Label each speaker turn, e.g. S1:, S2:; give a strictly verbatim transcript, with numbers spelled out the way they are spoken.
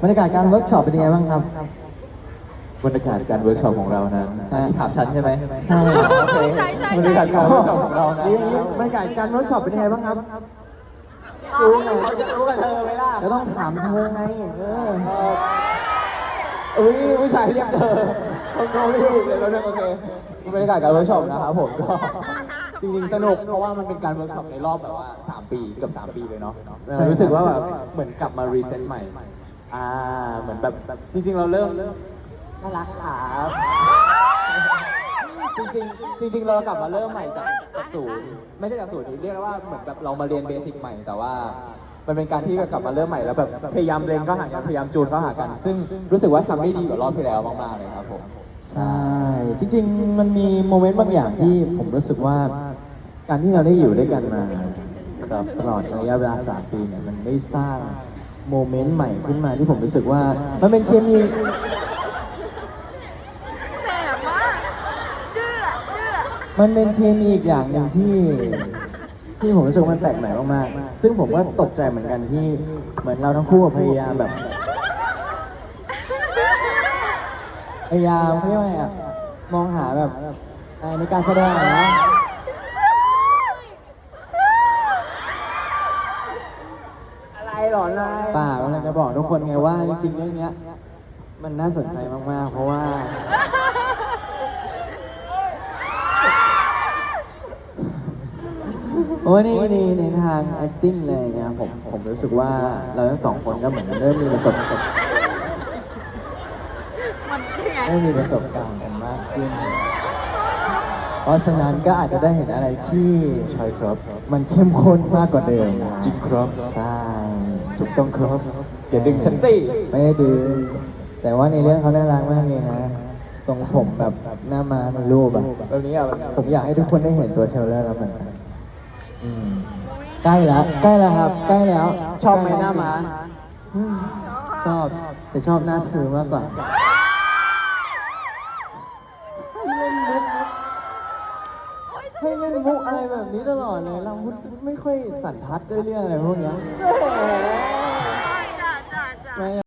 S1: บรรยากาศการเวิร์กช็อปเป็นยังไงบ้างครับ
S2: บรรยากาศการเวิร์กช็อปของเรานั้นที่ถามฉันใช่ไหม
S1: ใช่
S2: โอเคบรรยากาศการเวิร์กช็อปของเรานะ
S1: บรรยากาศการเวิร์กช็อปเป็นยังไงบ้างครับ
S2: รู้ไงเขาจะรู้กับเธอไหมล่ะ
S1: ก็ต้องถามเธอไงเออ
S2: อุ้ยผู้ชายเรียกเธอเขาเขาไม่ถูกเลยแล้วเนี่ยโอเคบรรยากาศการเวิร์กช็อปนะครับผมก็จริงๆสนุกเพราะว่ามันเป็นการเวิร์กช็อปในรอบแบบว่าสามปีเกือบสามปีเลยเนาะฉันรู้สึกว่าแบบเหมือนกลับมารีเซ็ตใหม่อ่าเหมือนแบบจริงๆเราเริ่มน่ารักครับจริงๆจริงๆเรากลับมาเริ่มใหม่จากจากศูนย์ไม่ใช่จากศูนย์เรียกได้ว่าเหมือนแบบเรามาเรียนเบสิกใหม่แต่ว่ามันเป็นการที่กลับมาเริ่มใหม่แล้วแบบพยายามเรียนก็หากันพยายามจูนก็หากัน ซึ่งรู้สึกว่าทำได้ดีกว่ารอบที่แล้วมากๆเลยครับผม
S1: ใช่จริงๆมันมีโมเมนต์บางอย่างที่ผมรู้สึกว่าการที่เราได้อยู่ด้วยกันมาครับตลอดระยะเวลาสามปีเนี่ยมันได้สร้างโมเมนต์ใหม่ขึ้นมาที่ผมรู้สึกว่ามันเป็นเคมี
S3: แสบมากดื้อดื้อ
S1: มันเป็นเคมีอีกอย่างหนึ่งที่ที่ผมรู้สึกมันแปลกใหม่มากๆซึ่งผมก็ตกใจเหมือนกันที่เหมือนเราทั้งคู่พยายามแบบพยายามเรียกว่าไงอะมองหาแบบในการแสดงนะ
S2: อะไรหรอนาย
S1: ป่ากำลังจะบอกทุกคนไงว่าจริงๆเรื่องนี้มันน่าสนใจมากๆเพราะว่าเพราะว่าในในในทาง acting เลยเนี่ยผมผมรู้สึกว่าเราทั้งสองคนก็เหมือนเริ่มมีประสบการณ์เริ่มมีประสบการณ์กันมากขึ้นเพราะฉะนั้นก็อาจจะได้เห็นอะไรที่
S2: ใช่ครับ
S1: มันเข้มข้นมากกว่าเดิม
S2: จริงครับ
S1: ใช่
S2: ถูกต้องครับอย่าดึงฉันตี
S1: ไม่ได้ดึงแต่ว่าในเรื่องเขาน่ารักมากเลยนะทรงผมแบบหน้ามาในรูปอะ
S2: แบบนี้อ่ะ
S1: ผมอยากให้ทุกคนได้เห็นตัวเทรลเลอร์แล้วเหมือนกันอืมใกล้แล้วใกล้แล้วครับใกล้แล้ว
S2: ชอบไหมหน้าม้า
S1: ชอบแต่ชอบหน้าเธอมากกว่าให้เล่นมุกอะไรแบบนี้ตลอดเลยเราไม่ค่อยสันทัดด้วยเรื่องอะไรพวกนี้